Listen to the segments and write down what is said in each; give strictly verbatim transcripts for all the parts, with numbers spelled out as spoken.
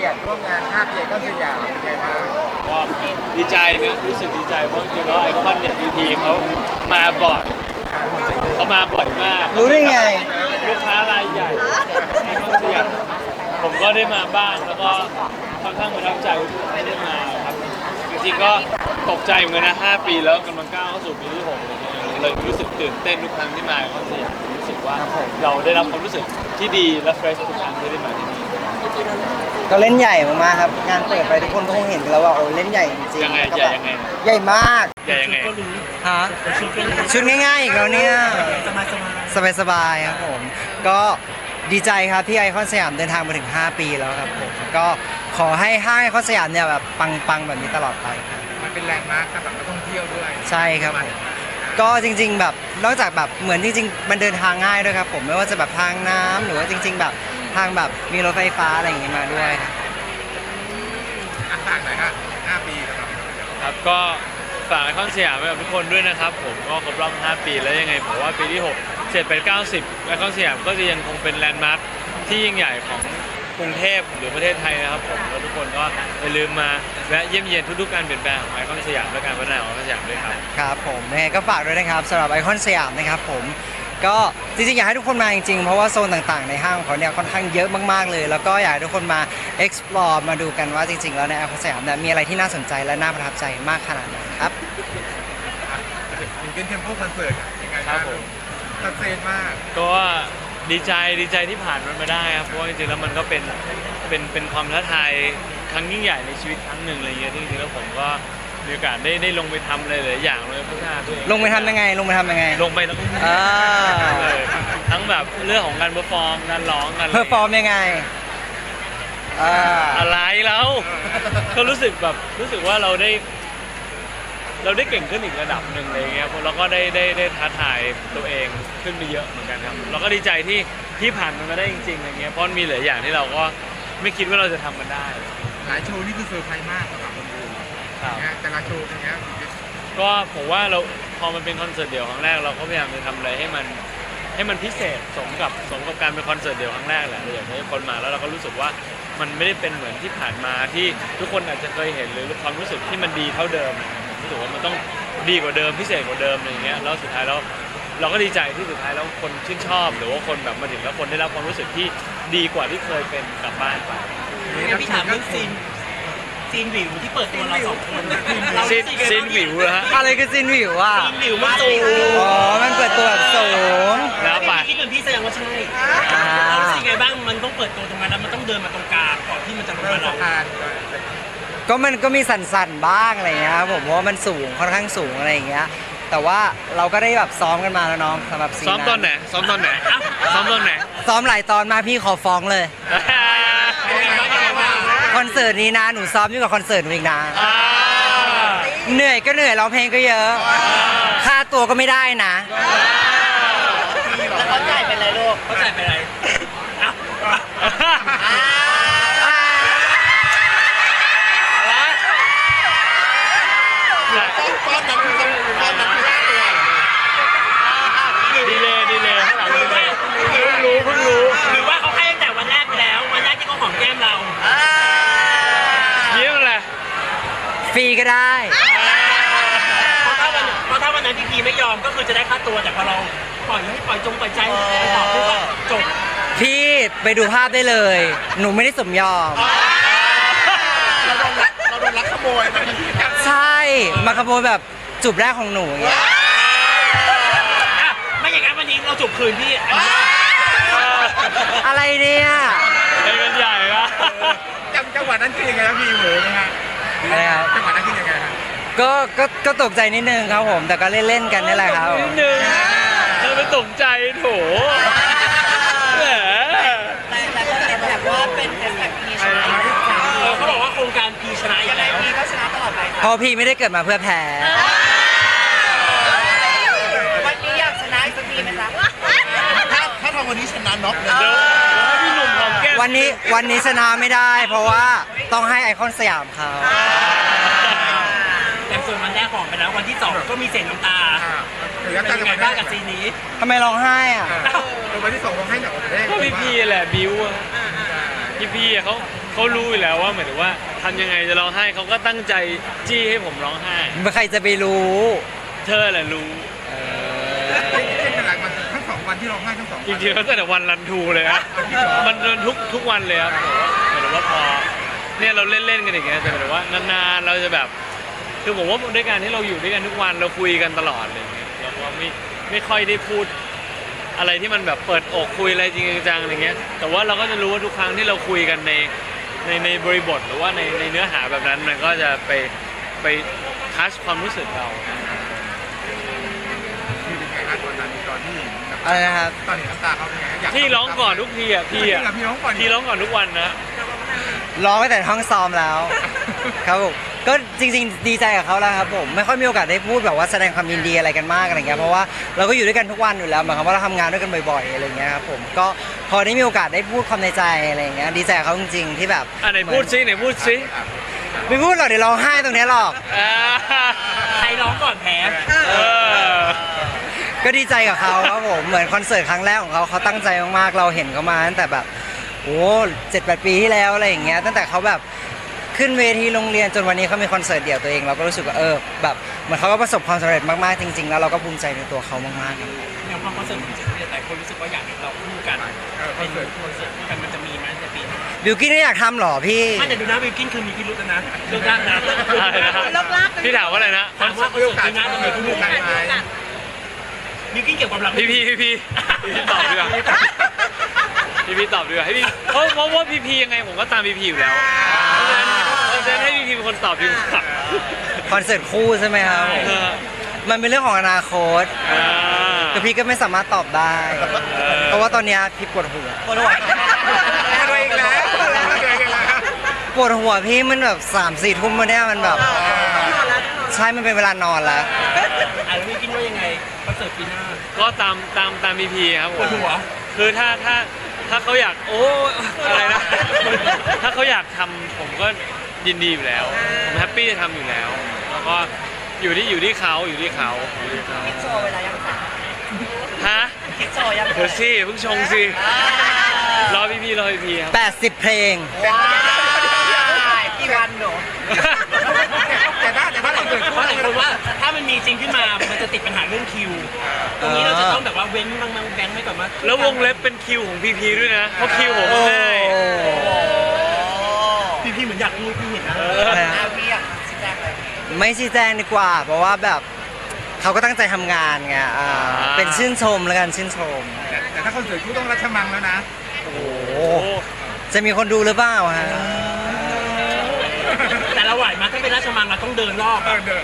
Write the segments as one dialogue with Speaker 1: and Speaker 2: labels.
Speaker 1: กียรติร่วมงานห้าปีก็สยามเป็นไงบ้าง
Speaker 2: ก็ดีใจนะรู้สึกดีใจเพราะจริงๆแล้วไอคอนเนี่ยพีพีเขามาบ่อยเขามาบ่อยมาก
Speaker 3: รู้ได้ไง
Speaker 2: ลูกค้ารายใหญ่ไอคอนสยามผมก็ได้มาบ้างแล้วก็ค่อนข้างประทับใจที่ได้มาครับจริงๆก็ตกใจเหมือนกันนะห้าปีแล้วกำลังก้าวเข้าสู่ปีที่หกเลยรู้สึกตื่นเต้นทุกครั้งที่มาไอคอนสยามรู้สึกว่าเราได้รับความรู้สึกที่ดีและเฟรชทุกครั้งที่ได้มาที่นี่
Speaker 3: ก็เล่นใหญ่มากๆครับงานเปิดไปทุกคนก็คงเห็นกันแล้วว่าโอ้เล่นใหญ่จริงๆ
Speaker 2: ยังไงใหญ่ยังไง
Speaker 3: ใหญ่มาก
Speaker 2: ใหญ่ยังไง
Speaker 3: ฮะชุดง่ายๆอีกแล้วเนี่ยสบายๆครับผมก็ดีใจครับที่ไอคอนสยามเดินทางมาถึงห้าปีแล้วครับผมก็ขอให้ห้างไอคอนสยามเนี่ยแบบปังๆแบบนี้ตลอดไป
Speaker 1: มันเป็นแลนด์มาร์คสำหรับนักท่องเที่ยวด้วย
Speaker 3: ใช่ครับผมก็จริงๆแบบนอกจากแบบเหมือนจริงๆมันเดินทางง่ายด้วยครับผมไม่ว่าจะแบบทางน้ำหรือว่าจริงๆแบบทางแบบมีรถไฟฟ้าอะไรอย่างงี้มาด้วย
Speaker 1: ครับฝากหน่อยครับห้าปีครับ
Speaker 2: ครับก็ฝากไอคอนสยามไว้กับทุกคนด้วยนะครับผมก็ครบรอบห้าปีแล้วยังไงผมว่าปีที่หก เจ็ด แปด เก้า สิบไอคอนสยามก็จะยังคงเป็นแลนด์มาร์คที่ยิ่งใหญ่ของกรุงเทพหรือประเทศไทยนะครับผมแล้วทุกคนก็อย่าลืมมาแวะเยี่ยมเยียนทุกๆการเปลี่ยนแปลงของไอคอนสยามและการพัฒนาของไอคอนสยามด้วยครับ
Speaker 3: ครับผมยังไงก็ฝากด้วยนะครับสำหรับไอคอนสยามนะครับผมก็จริงๆอยากให้ทุกคนมาจริงๆเพราะว่าโซนต่างๆในห้างของเขาเนี่ยค่อนข้างเยอะมากๆเลยแล้วก็อยากให้ทุกคนมา explore มาดูกันว่าจริงๆแล้วในไอคอนสยามเนี่ยมีอะไรที่น่าสนใจและน่าประทับใจมากขนาดไหนครับ
Speaker 1: ถึงเป็นเทมโพคอนเสิร์ตยังไงครับผมตัดเซนมาก
Speaker 2: ก็ดีใจดีใจที่ผ่านมันมาได้ครับเพราะว่าจริงๆแล้วมันก็เป็นเป็นเป็นความท้าทายครั้งยิ่งใหญ่ในชีวิตครั้งหนึ่งอะไรเงี้ยที่จริงๆแล้วผมก็มีโอกาสได้ได้ลงไปทำอะไรหลายอย่างเลยพัฒนาตัวเอง
Speaker 3: ลงไปทำยังไงลงไปทำยังไง
Speaker 2: ลงไปแล้วก็เลยทั้งแบบเรื่องของการเปอร์ฟอร์มการร้องการ
Speaker 3: เปอร์ฟอร์มยังไง
Speaker 2: อะไรแล้วก็รู้สึกแบบรู้สึกว่าเราได้เราได้เก่งขึ้นอีกระดับหนึ่งอะไรเงี้ยเราก็ได้ได้ได้ท้าทายตัวเองขึ้นไปเยอะเหมือนกันครับเราก็ดีใจที่ที่ผ่านมันมาได้จริงๆอะไรเงี้ยเพราะมีหลายอย่างที่เราก็ไม่คิดว่าเราจะทำมันได้
Speaker 1: หลายโชว์นี่คือเซอร์ไพรส์มากสำหรับคนดูแต่ละโชว์เป็นไง
Speaker 2: ก็ผมว่าเราพอมันเป็นคอนเสิร์ตเดี่ยวครั้งแรกเราก็พยายามจะทำอะไรให้มันให้มันพิเศษสมกับสมกับการเป็นคอนเสิร์ตเดี่ยวครั้งแรกแหละเราอยากให้คนมาแล้วเราก็รู้สึกว่ามันไม่ได้เป็นเหมือนที่ผ่านมาที่ทุกคนอาจจะเคยเห็นหรือความรู้สึกที่มันดีเท่าเดิมรู้สึกว่ามันต้องดีกว่าเดิมพิเศษกว่าเดิมอะไรเงี้ยแล้วสุดท้ายแล้วเราก็ดีใจที่สุดท้ายแล้วคนชื่นชอบหรือว่าคนแบบมาถึงแล้วคนได้รับความรู้สึกที่ดีกว่าที่เคยเป็นกลับบ้านไป
Speaker 4: พี่ถามเรื่องซีนซีนวิวที่เปิดตัวเราสองคน
Speaker 2: ซีนซีนวิวเหรอฮะ
Speaker 3: อะไรคือซีนวิวอ่ะ
Speaker 4: ซีนวิวมันสูง
Speaker 3: อ๋อมันเปิดตัวแบบสูง
Speaker 2: แล้วไป
Speaker 4: คิดเหมือนพี่แสดงว่าใช่เรารู้สึกไงบ้างมันต้องเปิดตัวตรงนั้นแล้วมันต้องเดินมาตรงกลางก่อนที่มันจะลงมาเรา
Speaker 3: ก็มันก็มีสั่นๆบ้างอะไรเงี้ยผมว่ามันสูงค่อนข้างสูงอะไรอย่างเงี้ยแต่ว่าเราก็ได้แบบซ้อมกันมาแล้วน้องสำหรับซีน
Speaker 2: ซ้อมตอนไหนซ้อมตอนไหนซ้อมตอนไหน
Speaker 3: ซ้อมหลายตอนมาพี่ขอฟ้องเลยคอนเสิร์ตนี้นะหนูซ้อมยิ่งกว่าคอนเสิร์ตหนูอีกนะเหนื่อยก็เหนื่อยร้องเพลงก็เยอะค่าตัวก็ไม่ได้นะ
Speaker 4: แล้วเขาจ่ายเป็นไรลูกเขาจ่ายเป็นไร
Speaker 1: ก้อนนั้นคือก้อนนั้นคือค่าตัว
Speaker 2: ดีเลยดีเลยเพิ่งรู้เพิ่งรู้
Speaker 4: หรือว่าเขาให้ตั้งแต่วันแรกไปแล้ววันแรกที่เขาหอมแก้มเรา
Speaker 2: ยิ้มอะไร
Speaker 3: ฟรีก็ได้
Speaker 4: เพราะถ้าวันเพราะถ้าวันนั้นพี่พีไม่ยอมก็คือจะได้ค่าตัวแต่พอเราปล่อยให้ปล่อยจงปล่อยใจไปตอบที่ว่าจบ
Speaker 3: พี่ไปดูภาพได้เลยหนูไม่ได้สมยอม
Speaker 1: เราโดนลักเราโดนลักขโมย
Speaker 3: ใช่มาขโมยแบบจูบแรกของหนูอย่างเงี้ย
Speaker 4: ไม่อย่างนั้นวันนี้เราจูบคืนพี่
Speaker 3: อะไรเนี่ย
Speaker 2: เป็นกันใหญ่ละ
Speaker 1: จังหวะนั้นคือยังไงครับพี่เหมือนนะฮะ
Speaker 3: อะไรครับ
Speaker 1: จังหวะนั้นคือยังไงครับ
Speaker 3: ก็ก็ก็ตกใจนิดนึงครับผมแต่ก็เล่นๆกันนี่แหละครับ
Speaker 2: นิดนึงเราไปตกใจโถแหม
Speaker 4: แต่แต่ก็แบบว่าเป็นแฮชแท็กพีชนะเขาบอกว่าโครงการพีชนะยังไงพีก็ชนะตลอดไป
Speaker 3: เพราะพี่ไม่ได้เกิดมาเพื่อแพ้
Speaker 4: วันนี้อยากชนะอีกสักทีไหมจ๊ะ
Speaker 1: ถ้าถ้าทำวันนี้ชนะน็อกเลย
Speaker 2: พี่หนุ่มหอมแก้ม
Speaker 3: วันนี้วันนี้ชนะไม่ได้เพราะว่าต้องให้ไอคอนสยามเขา
Speaker 4: แต่ส่วนวันแรกของไปแล้ววันที่สองก็มีเสียงน้ำตาเป็นยังไงบ้างกับซีนนี้
Speaker 3: ทำไมร้องไห้อ่ะ
Speaker 1: วันที่สองร้องไห้หนัก
Speaker 2: ก็พี่พีแหละบิวพี่พีเขาเขารู้อยู่แล้วว่าหมายถึงว่าทำยังไงจะร้องไห้เขาก็ตั้งใจจี้ให้ผมร้องไห้
Speaker 3: ใครจะไปรู้
Speaker 2: เธอแหละรู้
Speaker 1: เป็นขนาดมันทั้งสองวันที่ร้องไห้ทั้งสอง
Speaker 2: จ
Speaker 1: วัน
Speaker 2: ริงๆแล้วตั้งแต่วันรันทูเลยครับมันเดินทุกทุกวันเลยครับหมายถึงว่าพอเนี่ยเราเล่นๆกันอย่างเงี้ยแต่หมายถึงว่านานๆเราจะแบบคือผมว่าด้วยการที่เราอยู่ด้วยกันทุกวันเราคุยกันตลอดอะไรอย่างเงี้ยเราก็ไม่ไม่ค่อยได้พูดอะไรที่มันแบบเปิดอกคุยอะไรจริงจังๆอะไรเงี้ยแต่ว่าเราก็จะรู้ว่าทุกครั้งที่เราคุยกันในในในบริบทหรือว่าในในเนื้อหาแบบนั้นมันก็จะไปไปทัชความรู้สึกเรา
Speaker 1: คือเป็นไงครับตอนนั้นตอนที่
Speaker 3: อะไรนะครับ
Speaker 1: ตอนเห็นน้ำตาเขาเป็นไงอยาก
Speaker 2: พี่ร้องก่อนทุกทีอ่ะพี่อ่ะ
Speaker 1: พี่ร้องก่อน
Speaker 2: พี่ร้องก่อนทุกวันนะ
Speaker 3: ร้องไปแต่ห้องซ้อมแล้ว ครับผมก็จริงๆดีใจกับเขาแล้วครับผมไม่ค่อยมีโอกาสได้พูดแบบว่าแสดงความยินดีอะไรกันมากอะไรเงี้ยเพราะว่าเราก็อยู่ด้วยกันทุกวันอยู่แล้วหมายความว่าเราทำงานด้วยกันบ่อยๆอะไรเงี้ยครับผมก็พอได้มีโอกาสได้พูดความในใจอะไรเงี้ยดีใจกับเขาจริงๆที่แบบ
Speaker 2: อ่ะไหนพูดซิไหนพูดซิ
Speaker 3: ไม่พูดหรอกเดี๋ยวร้องไห้ตรงเนี้ยหรอก
Speaker 2: อ่า
Speaker 4: ใครร้องก่อนแพ้
Speaker 2: เออ
Speaker 3: ก็ดีใจกับเขาครับผมเหมือนคอนเสิร์ตครั้งแรกของเขาเขาตั้งใจมากๆเราเห็นเขามาตั้งแต่แบบโอ้เจ็ดแปดปีที่แล้วอะไรอย่างเงี้ยตั้งแต่เขาแบบขึ้นเวทีโรงเรียนจนวันนี้เขามีคอนเสิร์ตเดี่ยวตัวเองเราก็รู้สึกว่าเออแบบเหมือนเขาก็ประสบความสำเร็จมากๆจริงๆแล้วเราก็ภูมิใจในตัวเขามากๆครับ
Speaker 4: อย่างความคอนเสิร์ตของเจ็ดเนี่ยแต่คนรู้สึกว่าอยากเห็นเราคู่กันเป็นคอนเสิร์ตคู่กันมันจะมีไหมในปีนี้
Speaker 3: บิวกิ้นไม่อยากทำหรอพี่
Speaker 4: ไม่แต่ดูนะวิลกินคือมีพิรุธนะเลิกยากนะ
Speaker 2: อะไรนะพี่ถามว่าอะไรนะ
Speaker 4: ถามว่าคอนเสิร์ตปีหน้าจะมีคู่กัน
Speaker 1: ไหม
Speaker 4: วิลกินเกี่ยวกับเรา
Speaker 2: พี่พี่พี่พี่พี่ตอบดีกว่าพี่พี่ตอบดีกว่าให้พี่เพราะเพราะว่าพี่พี่ยังไงผมก็ตามพี่พี่อยู่แล้วเพราะฉะนั้นเพราะฉะนั้นให้พี่พี่เป็นคนตอบดีกว่า
Speaker 3: คอนเสิร์ตคู่ใช่ไหมครับผม
Speaker 2: เออ
Speaker 3: มันเป็นเรื่องของอนาคต
Speaker 2: อ่า
Speaker 3: แต่พี่ก็ไม่สามารถตอบได้
Speaker 2: เออ
Speaker 3: เพราะว่าตอนเนี้ยพี่ปวดหัวปวดหัว
Speaker 1: อะไรอีกแล้วอะไรอีกแล้ว
Speaker 3: ปวดหัวพี่มันแบบสามสี่ทุ่มมาเนี่ยมันแบบใช่มันเป็นเวลานอนแล้ว
Speaker 4: อ่ะแล้ววิลกินว่ายังไงคอนเสิร์ตปีหน้า
Speaker 2: ก็ตามตามตามพี่พี่ครับผ
Speaker 4: ปว
Speaker 2: ม
Speaker 4: ดหัว
Speaker 2: คือถ้าถ้าถ้าเขาอยากโอ้อะไรนะ ถ้าเขาอยากทำผมก็ยินดีอยู่แล้วผมแฮปปี้จะทำอยู่แล้ว แล้วก็อยู่ที่อยู่ที่เขาอยู่ที่เขาอยู่ที่เขา
Speaker 3: โชว์เวลายังสา
Speaker 2: ฮะ
Speaker 3: คิดโชว์ยัง
Speaker 2: เดี๋ยวสิเพิ่งชงสิรอพี่พี่รอพี่พี่ครับ
Speaker 3: แปดสิบเพลงว้ายกี่วันหนู
Speaker 1: แต่ถ้าแต่ถ้าเราเกิด
Speaker 4: เพราะหลายคนว่าถ้ามันมีจริงขึ้นมา มันจะติดปัญหาเรื่องคิว ตรงนี้เราจะต้องแบบว่าเว้นบางบางแบงค์ไว้ก่อนว่า
Speaker 2: แล้ววงเล็บเป็นคิวของพี่พีด้วยนะเพราะคิวผมมันง่าย
Speaker 4: พี่พี่เหมือนอยากรู้พี่เห็นนะ
Speaker 2: เออ
Speaker 3: ไม่ชี้แจงดีกว่า เพราะว่าแบบเขาก็ตั้งใจทำงานไงอ่าเป็นชื่นชมแล้วกันชื่นชม
Speaker 1: แต่ถ้าคอนเสิร์ตคู่ต้องรัชมังแล้วนะ
Speaker 2: โอ้โห
Speaker 3: จะมีคนดูหรือเปล่าฮะ
Speaker 4: แต่เราไหวมาถ้าเป็นราชมังเราต้องเดินรอบ
Speaker 1: เออเดิน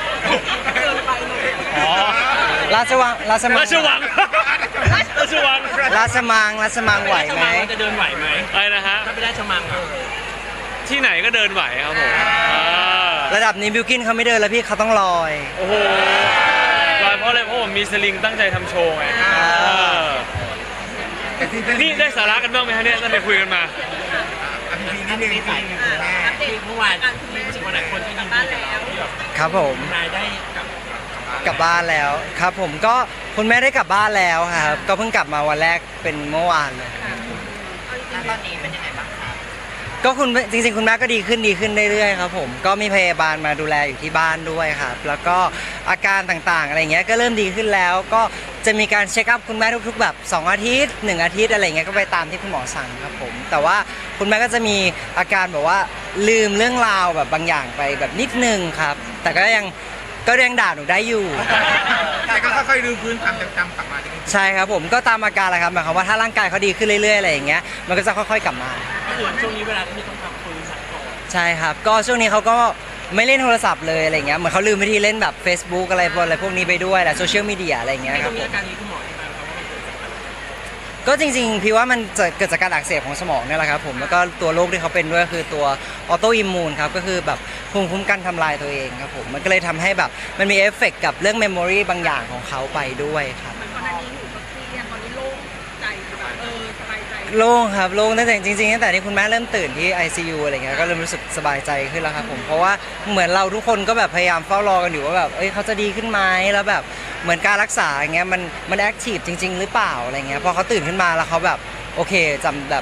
Speaker 2: อ๋อ
Speaker 3: ราชวังราชมัง
Speaker 2: ราชวังราชวัง
Speaker 3: ราชมังราชมังไหว
Speaker 4: ราช
Speaker 3: ไหม
Speaker 4: มังเราจะเดินไหวไหม
Speaker 2: อะไรนะฮะ
Speaker 4: ถ้าเป็นราชมังอ่ะ
Speaker 2: ที่ไหนก็เดินไหวครับผมอ่า
Speaker 3: ระดับนี้บิวกินเขาไม่เดินแล้วพี่เขาต้องลอย
Speaker 2: โอ้โหลอยเพราะอะไรเพราะผมมีสลิงตั้งใจทำโชว์ไงเออ
Speaker 1: แต่ที่
Speaker 2: นี่ได้สาระกันบ้างไหมฮะเนี่ยตั้งแต่คุยกันมา
Speaker 1: อันนี้นิดนึงพี่แม่
Speaker 4: ที่เมื่อวานรู้สึกว่าหลายคนที่ยินดีกับเราที่แบบ
Speaker 3: ครับผม
Speaker 4: นายได้กลับ
Speaker 3: กลับบ้านแล้วครับผมก็คุณแม่ได้กลับบ้านแล้วครับก็เพิ่งกลับมาวันแรกเป็นเมื่อวานเลย
Speaker 5: ตอนนี้เป็นยังไงบ้างคะ
Speaker 3: ก็คุณจริงๆคุณแม่ก็ดีขึ้นดีขึ้นเรื่อยๆครับผมก็มีพยาบาลมาดูแลอยู่ที่บ้านด้วยครับแล้วก็อาการต่างๆอะไรเงี้ยก็เริ่มดีขึ้นแล้ว ก็จะมีการเช็คอัพคุณแม่ทุกๆแบบสองอาทิตย์หนึ่งอาทิตย์อะไรเงี้ยก็ไปตามที่คุณหมอสั่งครับผมแต่ว่าคุณแม่ก็จะมีอาการแบบว่าลืมเรื่องราวแบบบางอย่างไปแบบนิดนึงครับแต่ก็ยังก็ยังด่าหนูได้อยู่
Speaker 1: แต่ก็ค่อยๆลืมพื้นความจำกลับมาจริง
Speaker 3: ใช่ครับผมก็ตามอาการแหละครับหมายความว่าถ้าร่างกายเขาดีขึ้นเรื่อยๆอะไรอย่างเงี้ยมันก็จะค่อยๆกลับมา
Speaker 4: ก็คือช่วงนี้เวลาที่ต้องทำคุยสักก่อน
Speaker 3: ใช่ครับก็ช่วงนี้เขาก็ไม่เล่นโทรศัพท์เลยอะไรเงี้ยเหมือนเขาลืมวิธีเล่นแบบ Facebook อะไรพวกอะไรพวกนี้ไปด้วยแหละโซเชียลมีเดียอะไรเงี้ย
Speaker 4: ไม่
Speaker 3: ค
Speaker 4: ต้
Speaker 3: รั
Speaker 4: อบ งมี
Speaker 3: ผม
Speaker 4: อาการนี้คุณหมอที่มาเขาว่ามันเกิดจากอะไร
Speaker 3: ก็จริงๆพี่ว่ามันจะเกิดจากการอักเสบของสมองเนี่ยแหละครับผมแล้วก็ตัวโรคที่เขาเป็นด้วยคือตัวออโตอิมมูนครับก็คือแบบภูมิคุ้มกันทำลายตัวเองครับผมมันก็เลยทำให้แบบมันมีเอฟเฟกต์กับเรื่องเมมโมรีบางอย่างของเขาไปด้วยครับ
Speaker 5: เหมือนก่อนหน้านี้หนูก็เครียดตอนนี้โล่งใจแบบเออสบายใจ
Speaker 3: โล่งครับโล่งตั้งแต่จริงๆตั้งแต่ที่คุณแม่เริ่มตื่นที่ ไอ ซี ยู อะไรเงี้ยก็เริ่มรู้สึกสบายใจขึ้นแล้วครับผมเพราะว่าเหมือนเราทุกคนก็แบบพยายามเฝ้ารอกันอยู่ว่าแบบเอ้ยเขาจะดีขึ้นไหมแล้วแบบเหมือนการรักษาอย่างเงี้ยมันมันแอคทีฟจริง ๆ หรือเปล่าอะไรเงี้ยพอเขาตื่นขึ้นมาแล้วเขาแบบโอเคจำแบบ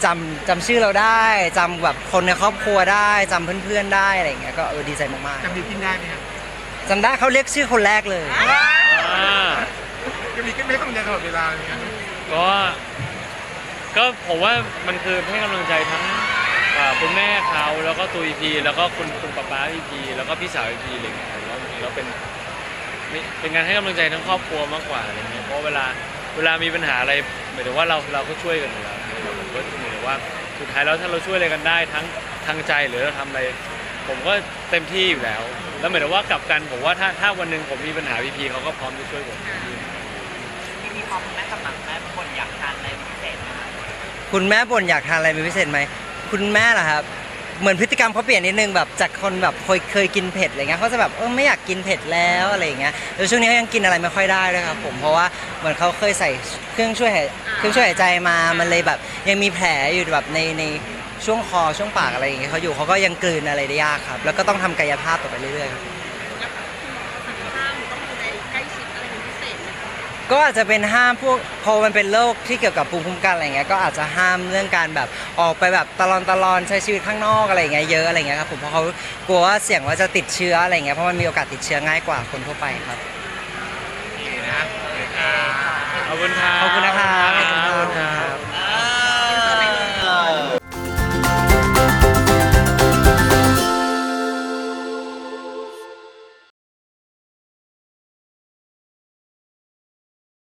Speaker 3: จำจำชื่อเราได้จำแบบคนในครอบครัวได้จำเพื่อนๆได้อะไรอย่างเงี้ยก็เออดีใจมาก
Speaker 1: จำบิวกินได้ไหมครับ
Speaker 3: ๆจำได้เขาเรียกชื่อคนแรกเลย
Speaker 2: อ่า
Speaker 1: จะมีขึ้นไม่ต้องใจตลอดเวลาเลยนะ
Speaker 2: ก็ก็ผมว่ามันคือให้กำลังใจทั้งอ่าคุณแม่เขาแล้วก็ตัวอีพีแล้วก็คุณคุณป๊าป๊าอีพีแล้วก็พี่สาวอีพีอะไรอย่างเงี้ยแล้วแล้วเป็นเป็นการให้กำลังใจทั้งครอบครัวมากกว่าอะไรเงี้ยเพราะเวลาเวลามีปัญหาอะไรหมายถึงว่าเราเราก็ช่วยกันอยู่แล้วผมก็หมายถึงว่าสุดท้ายแล้วถ้าเราช่วยอะไรกันได้ทั้งทางใจหรือเราทำอะไร ผมก็เต็มที่อยู่แล้ว แล้วหมายถึงว่ากลับกันผมว่าถ้าถ้าวันหนึ่งผมมีปัญหาพีพีเขาก็พร้อมจะช่วยผม
Speaker 4: พี่พีพร้อมแม่กำลังแม่คนอยากทานอะไรพิเศษไหมคะ
Speaker 3: คุณแม่บ่นอยากทานอะไรเป็นพิเศษไหมคุณแม่เหรอครับเหมือนพฤติกรรมเขาเปลี่ยนนิดนึงแบบจากคนแบบเคยเคยกินเผ็ดอะไรเงี้ยเขาจะแบบเออไม่อยากกินเผ็ดแล้วอะไรอย่างเงี้ยแล้วช่วงนี้เขายังกินอะไรไม่ค่อยได้ด้วยครับผมเพราะว่าเหมือนเขาเคยใส่เครื่องช่วยหายเครื่องช่วยหายใจมามันเลยแบบยังมีแผลอยู่แบบในในช่วงคอช่วงปากอะไรอย่างเงี้ยเขาอยู่เขาก็ยังกลืนอะไรได้ยากครับแล้วก็ต้องทำกายภาพต่อไปเรื่อยๆครับ
Speaker 5: แล้วคุณหมอสั่งห้ามหรือต้องดูแลใกล้ชิดอะไรเป็นพิเศษไหมคะ
Speaker 3: ก็อาจจะเป็นห้ามพวกพอมันเป็นโรคที่เกี่ยวกับภูมิคุ้มกันอะไรเงี้ยก็อาจจะห้ามเรื่องการแบบออกไปแบบตลอนตลอนใช้ชีวิตข้างนอกอะไรเงี้ยเยอะอะไรเงี้ยครับผมเพราะเขากลัวว่าเสี่ยงว่าจะติดเชื้ออะไรเงี้ยเพราะมันมีโอกาสติดเชื้อง่ายกว่าคนทั่วไปครับ
Speaker 1: ดีนะ
Speaker 2: ขอบคุณครับ
Speaker 3: ขอบคุณนะครับ